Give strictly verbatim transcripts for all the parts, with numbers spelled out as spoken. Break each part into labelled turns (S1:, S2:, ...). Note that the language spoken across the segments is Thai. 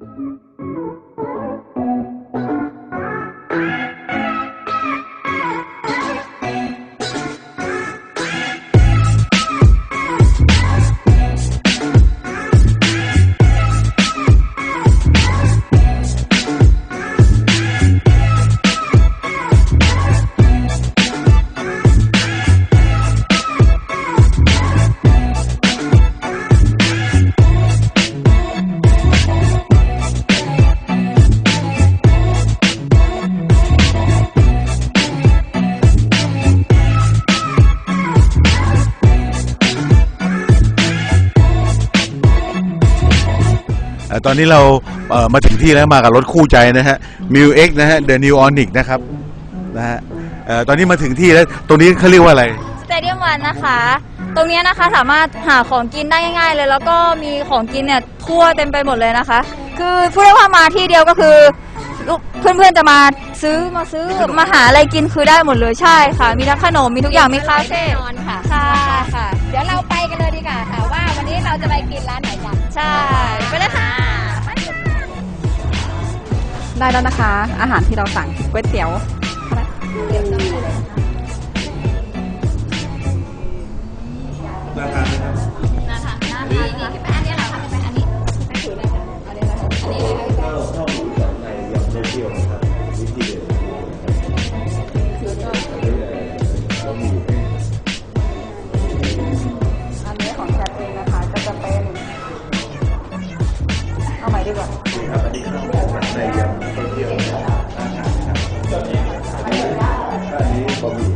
S1: ตอนนี้เราเอ่อมาถึงที่แล้วมากับรถคู่ใจนะฮะ มิว เอ็กซ์ นะฮะ The New Onyx นะครับนะฮะเอ่อตอนนี้มาถึงที่แล้วตรงนี้เขาเรียกว่าอะไร
S2: Stadium One นะคะตรงนี้นะคะสามารถหาของกินได้ง่ายๆเลยแล้วก็มีของกินเนี่ยทั่วเต็มไปหมดเลยนะคะคือพูดได้ว่ามาที่เดียวก็คือเพื่อนๆจะมาซื้อมาซื้อมาหาอะไรกินคือได้หมดเลยใช่ค่ะมีทั้งขนมมีทุกอย่างมีคาเฟ่นอนค่ะใช่ค่ะ
S3: เดี๋ยวเราไปกันเลยดีกว่าค่ะว่าวันนี้เราจะไปกินร้านไหนกัน
S2: ใช่ไปเลยค่ะ
S3: ได้แล้วนะคะอาหารที่เราสั่งก๋วยเตี๋ยวเตี๋ยวจะมีเลย
S1: น่าทานไหมครับ
S3: น่าทานน่าทานนี่นี่คืออันนี้เราทำเป็นอันนี้ให้ถือเลยค่ะอันนี้นะคะอันนี้นะคะ
S1: ข้าวข้าวหมูสับในยำเต้าเจี้ยวนะครับวิธีเด็ด
S3: ถือก็
S1: เรามีอยู่
S3: อันนี้ของแคทเองนะคะก็จะเป็นเอาใหม่ดีกว่า
S1: นี่ครับอันนี้ข้าวหมูสับในยำเต้าเจี้ยวนะครับอันนี้บะหมี่แห้งบะหมี่แห้ง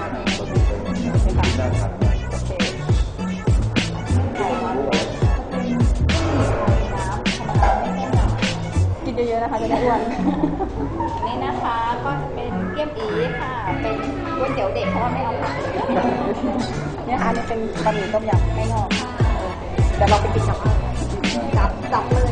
S1: น่าทานมาก
S3: กินเยอะๆนะคะจะได้อ้วนนี่นะคะก็จะเป็นเกี๊ยวอีค่ะเป็นก๋วยเตี๋ยวเด็กเพราะว่าไม่เอาผักนี่ค่ะนี่เป็นบะหมี่ต้มยำไม่งอกเดี๋ยวเราไปกินกับจับจับเลย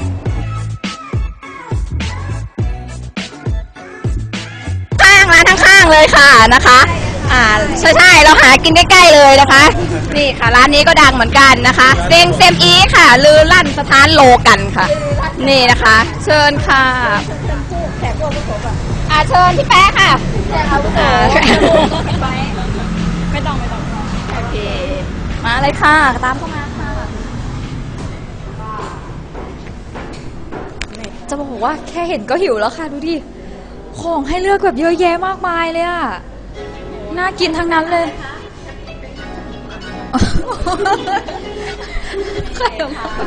S3: ข้างร้านข้างๆเลยค่ะนะคะอ่าใช่ใช่เราหากินใกล้ๆเลยนะคะนี่ค่ะร้านนี้ก็ดังเหมือนกันนะคะเซงเซมอีค่ะลือลั่นสถานโลกันค่ะนี่นะคะเชิญค่ะแขกโลกผสมอ่ะอ่าเชิญพี่แป๊ะค่ะแขกเอาผสมไม่ต้องไม่ต้องโอเคมาเลยค่ะตามเข้ามาค่ะ
S2: จะบอกว่าแค่เห็นก็หิวแล้วค่ะดูดิของให้เลือกแบบเยอะแยะมากมายเลยอะน่ากินทั้งนั้นเลยใครออกมา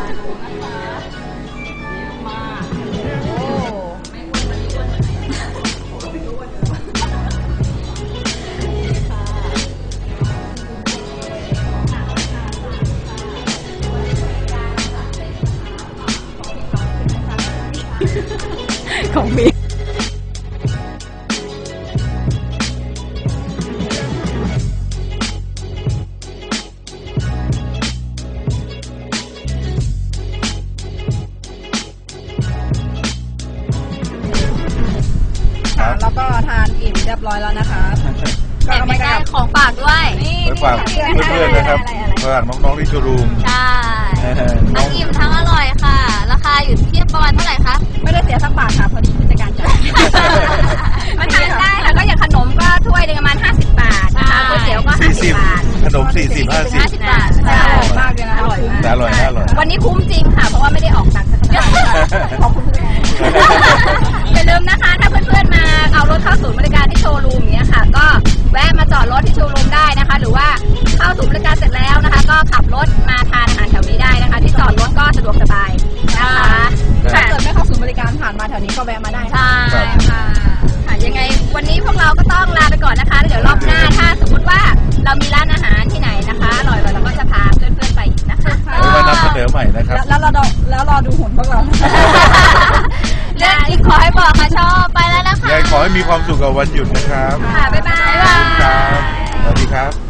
S3: ของมีแล้วก็ทานอิ่มเรียบร้อยแล้วนะคะ
S2: ก็ไม่ได้ของฝากด้วย
S1: ไปฝากเพื่อนๆนะครับฝากน้องๆที่โชว์รูม
S2: ใช่ทั้งอิ่มทั้งอร่อยค่ะราคาอยู่ที่ประมาณเท่าไหร่คะ
S3: ไม่ได้เสียสักบาทค่ะพอดีผู้จัดการจ่ายมาทานได้ค่ะก็อย่างขนมก็ถ้วยนึงประมาณห้าสิบบาทนะคะก๋วยเตี๋ยวก็ห้าสิบบาท
S1: ขนมสี่สิบห้าสิบ
S3: ห้าสิบบาทใช่อร่อยมากเลยนะอร่อยมาก
S1: อร่อยอร่อย
S3: วันนี้คุ้มจริงค่ะเพราะว่าไม่ได้ออกตังค์สักบาทขอบคุณผู้จัดการอย่าลืมนะคะถ้าเพื่อนๆมาเอารถเข้าศูนย์บริการที่โชว์รูมอย่างเงี้ยค่ะก็แวะมาจอดรถที่โชว์รูมได้นะคะหรือว่าเข้าศูนย์บริการเสร็จแล้วนะคะก็ขับรถมาทานอาหารแถวนี้ได้นะคะที่จอดรถก็สะดวกสบายนะคะถ้าเกิดไม่เข้าศูนย์บริการผ่านมาแถวนี้ก็แวะมาได้
S2: ใช่ค่ะ
S3: ค่ะยังไงวันนี้พวกเราก็ต้องลาไปก่อนนะคะเดี๋ยวรอบหน้าถ้าสมมติว่าเรามีร้านอาหารที่ไหนนะคะอร่อยๆเราก็จะพาเพื่อนๆไปอีกนะคะ
S1: ไว้นำเสนอใหม่นะครับ
S3: แล้วเราแล้วรอดูหุ่นพวกเรา
S2: เรื่องที่ขอให้บอกค่ะชอบไปแล้วนะคะ
S1: ขอให้มีความสุขกับวันหยุดนะครับ
S2: ค่ะบ๊ายบาย
S1: ครับสวัสดีครับ